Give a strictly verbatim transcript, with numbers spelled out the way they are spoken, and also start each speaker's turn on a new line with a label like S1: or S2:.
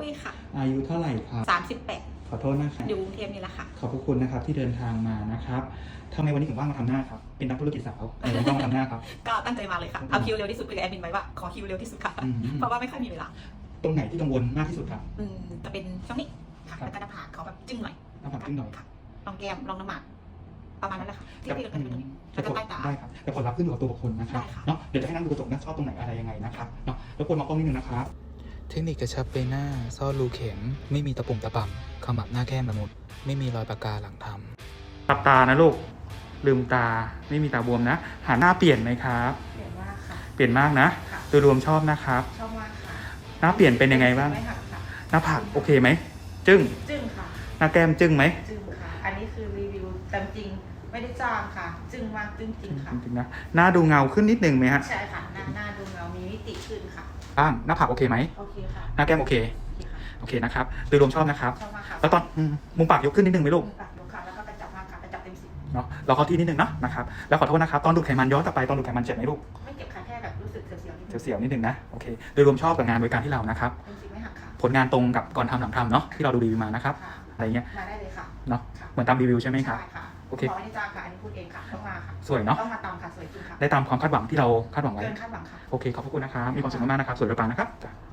S1: ค่ะ
S2: อายุเท่าไหร่ครับ
S1: สามสิบแปด
S2: ขอโทษนะครับ
S1: อยู่กรุงเทพนี่แหละค่ะ
S2: ขอบคุณนะครับที่เดินทางมานะครับทำไมวันนี้ถึงว่างมาทำหน้าครับเป็นนักธุรกิจสาวทำไมว่างมาทำหน้าครับ
S1: ก็ตั้งใจมาเลยค่ะเอาคิวเร็วที่สุดคุยกับแอดมินไว้ว่าขอคิวเร็วที่สุดค่ะเพราะว่าไม่ค่อยมีเวลา
S2: ตรงไหนที่กังวลมากที่สุดครับ
S1: อืมจะเป็นช่วงนี้ค่ะแล้วก็หน้าผากเขาแบบจึ้งหน่อย
S2: หน้าผากจึ้งหน่อย
S1: ค่ะลองแก้มลองน้ำหมากประมาณนั้นแหละค่ะที่ที่เราเป็นตรงนี้แล้วก็ใต้ตา
S2: ได้ครับแต่ผลลัพธ์ขึ้นอยู่กับตัวบุคคลนะครับเนาะเดี๋ยวจะให้นั่งดูกระจกนะชอบตรงไหนอะไรยังไงนะครับเนาะแล้วควรมองกล้องนิดนึงนะครับ
S3: เทคนิคกระชับใบหน้าซ่อนรูเข็มไม่มีตะปุ่มตะป่ำขมับหน้าแก้มละมุดไม่มีรอยปากกาหลังทำ
S2: หลับตานะลูกลืมตาไม่มีตาบวมนะหาหน้าเปลี่ยนไหมครับ
S1: เปลี่ยนมากค่ะ
S2: เปลี่ยนมากนะโดยรวมชอบนะครับ
S1: ชอบมากค่ะ
S2: หน้าเปลี่ยนเป็นยังไงบ้างหน้าผากโอเคไหมจึ้ง
S1: จึ้งค่ะ
S2: หน้าแก้มจึ้งไหม
S1: จึ้งค่ะอันนี้คือรีวิวตามจริงไม่ได้จ้างค่ะจึ้งมากจึ้งจริงค่ะ
S2: จริงนะหน้าดูเงาขึ้นนิดนึงไหมฮะ
S1: ใช่ค่ะหน้าหน้าดูเงามีมิติขึ้นค่ะ
S2: บ้างหน้าผากโอเคไหม
S1: โอเคค่ะ
S2: หน้าแก้มโอเคโอเคนะครับโดยรวมชอบนะครับ
S1: ชอบมากค่ะ
S2: แล้วตอนมุมปากยกขึ้นนิดนึงไหมลูก
S1: มุมปากยกค่ะแล้วก็กระจับมากค่ะกระจับเต็มสิบ
S2: เนาะเราเข้าที่นิดนึงนะนะครับแล้วขอโทษนะครับตอนดูดไขมันย้อนกลับไปตอนดูดไขมันเจ็บไหมลูก
S1: ไม่เจ็บค่ะแค่แบบรู้สึกเสียวๆนิดนึง
S2: เสียวๆนิดนึงนะโอเคโดยรวมชอบกับงานบริการที่เรานะครับ
S1: เต็มสิบไม่หักค่ะ
S2: ผลงานตรงกับก่อนทำหลังทำเนาะที่เราดูรีวิวมานะครับอะไรเงี้ย
S1: มาได้เลยค่ะ
S2: เนาะเหมือนตามรีวิวใช่ไหมครับ
S1: ใช่ค่ะ
S2: โอเค
S1: ไม่ได้จ้างค่ะอันนี้พูดเองค่ะต้องมาค่ะ
S2: สวยเนาะ
S1: ต้องมาตามค่ะสวยจริงค่ะ
S2: ได้ตามความคาดหวังที่เราคาดหวังไว้
S1: เกินคาดหวังค่ะ
S2: โอเคขอบคุณนะครับมีความสุขมากๆนะครับสวยปังๆนะครับ